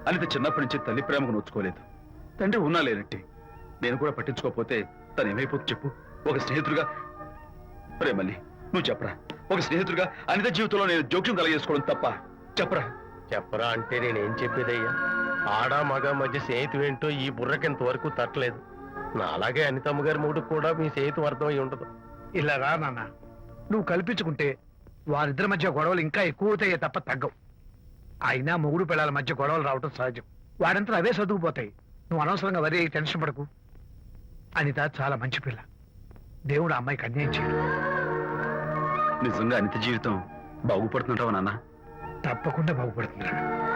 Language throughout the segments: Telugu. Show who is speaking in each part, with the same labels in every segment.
Speaker 1: అనిత చిన్నప్పటి నుంచి తల్లి ప్రేమకు నోచుకోలేదు. తండ్రి ఉన్నా లేనట్టి. నేను కూడా పట్టించుకోకపోతే తను ఏమైపోతుంది చెప్పు? ఒక స్నేహితుడిగా మళ్ళీ నువ్వు చెప్పరా, ఒక స్నేహితుడిగా అనిత జీవితంలో నేను జోక్యం కలగజేసుకోవడం తప్ప? చెప్పరా.
Speaker 2: చెప్పరా అంటే నేనేం చెప్పేదయ్యా? ఆడ మగ మధ్య స్నేహితుడు ఏంటో ఈ బుర్రకింత వరకు తట్టలేదు. నా అలాగే అనితమ్మ గారి మూడు కూడా మీ స్నేహితం అర్థమై ఉండదు.
Speaker 3: ఇలా రా నాన్న, నువ్వు కల్పించుకుంటే వారిద్దరి మధ్య గొడవలు ఇంకా ఎక్కువవుతాయే తప్ప తగ్గవు. అయినా మొగుడు పిల్లల మధ్య గొడవలు రావటం సహజం. వాడంతా అవే సర్దుకుపోతాయి. నువ్వు అనవసరంగా వరి టెన్షన్ పడకు. అనిత చాలా మంచి పిల్ల. దేవుడు ఆ అమ్మాయికి అన్యాయం చేయడు.
Speaker 1: నిజంగా అనిత జీవితం బాగుపడుతుంటావా నాన్న?
Speaker 3: తప్పకుండా బాగుపడుతుందా.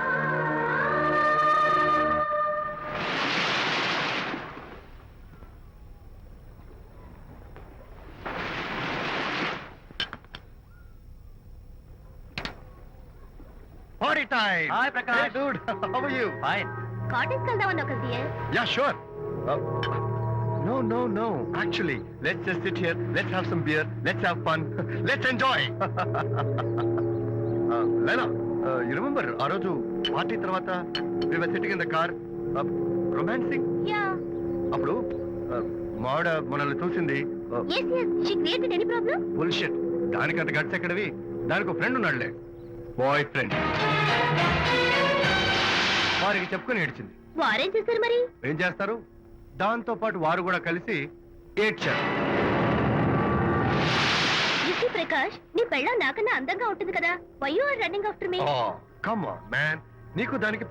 Speaker 2: Party time!
Speaker 4: Hi, Prakash.
Speaker 2: Hey, dude. How are you?
Speaker 4: Fine.
Speaker 5: Cottage వెళ్దామని ఒక
Speaker 2: Yeah, sure. No. Actually, let's just sit here. Let's have some beer. Let's have fun. Let's enjoy. Lena, you remember ఆ రోజు పార్టీ తర్వాత we were sitting in the car, romancing?
Speaker 5: Yeah
Speaker 2: అప్పుడు మావిడ మనల్ని చూసింది.
Speaker 5: yes she created any problem
Speaker 2: bullshit. దానికంత గట్స్ ఎక్కడవి? దానికి ఒక ఫ్రెండ్ ఉన్నాడులే, బాయ్ ఫ్రెండ్. వారికి చెప్పుకొని ఏడ్చింది.
Speaker 5: వారేం చేశారు మరి?
Speaker 2: ఏం చేస్తారు, దాంతో పాటు వారు కూడా కలిసి ఏడ్చారు.
Speaker 5: యూసీ ప్రకాష్, నీ పెళ్ళం నాకన్నా అందంగా ఉంటుంది కదా. Why you are running after me?
Speaker 2: Come on man, నీకు దానికి